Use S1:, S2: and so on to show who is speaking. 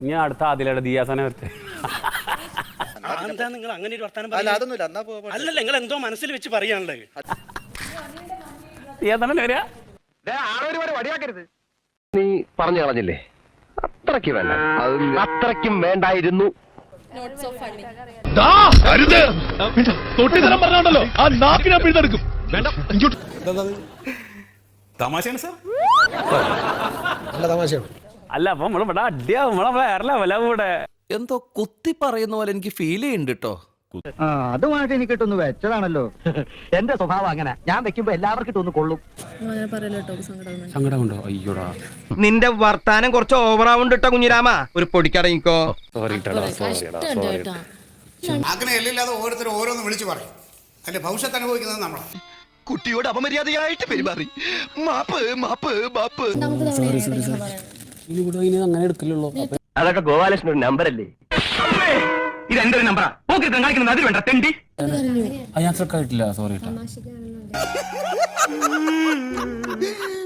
S1: ഞാൻ അടുത്ത അതിലയുടെ ദിയാസനെ വരട്ടെ.
S2: എന്താ നിങ്ങൾ അങ്ങനെ ഒരു വർത്താനം അല്ലല്ല, നിങ്ങൾ എന്തോ മനസ്സിൽ വെച്ച് പറയാനുള്ളത്.
S1: ദിയാസനെ വരിക.
S3: നീ പറഞ്ഞു കളഞ്ഞില്ലേ, അത്രയ്ക്ക് വേണ്ട, അത്രയ്ക്കും വേണ്ടായിരുന്നു.
S1: തമാശയാണ് സാർ. അല്ല അപ്പൊ നമ്മളിവിടെ അടിയാവും, നമ്മളെ വേറെ ലെവലാവും ഇവിടെ.
S4: എന്തോ കുത്തി പറയുന്ന പോലെ എനിക്ക് ഫീൽ ചെയ്യുന്നുണ്ട് കേട്ടോ.
S5: അതുമായിട്ട് എനിക്ക് ഇട്ടൊന്ന് വെച്ചതാണല്ലോ. എന്റെ സ്വഭാവം അങ്ങനെ, ഞാൻ വെക്കുമ്പോ എല്ലാവർക്കും ഇട്ടൊന്ന് കൊള്ളും.
S1: സങ്കടമുണ്ടോ? അയ്യോടാ,
S3: നിന്റെ വർത്താനം കുറച്ച് ഓവറാവുണ്ട് കേട്ടോ കുഞ്ഞിരാമ. ഒരു പൊടിക്കടങ്ങിക്കോ.
S1: സോറി.
S6: അങ്ങനെ എല്ലില്ലാതെ ഓരോരുത്തരും ഓരോന്ന് വിളിച്ചു പറയും. അതിന്റെ ഭവിഷ്യത്ത് അനുഭവിക്കുന്നത് നമ്മളാണ്.
S3: കുട്ടിയോട് അപമര്യാദയായിട്ട് പെരുമാറി. മാപ്പ് മാപ്പ് മാപ്പ്.
S1: അങ്ങനെ എടുക്കില്ലല്ലോ.
S3: അതൊക്കെ ഗോപാലകൃഷ്ണൻ ഒരു നമ്പറല്ലേ? ഇത് എന്റെ ഒരു നമ്പറാ. കാണിക്കുന്നത് അതിൽ വേണ്ട തെണ്ടി.
S1: ഞാൻ ശ്രദ്ധിച്ചിട്ടില്ല, സോറി.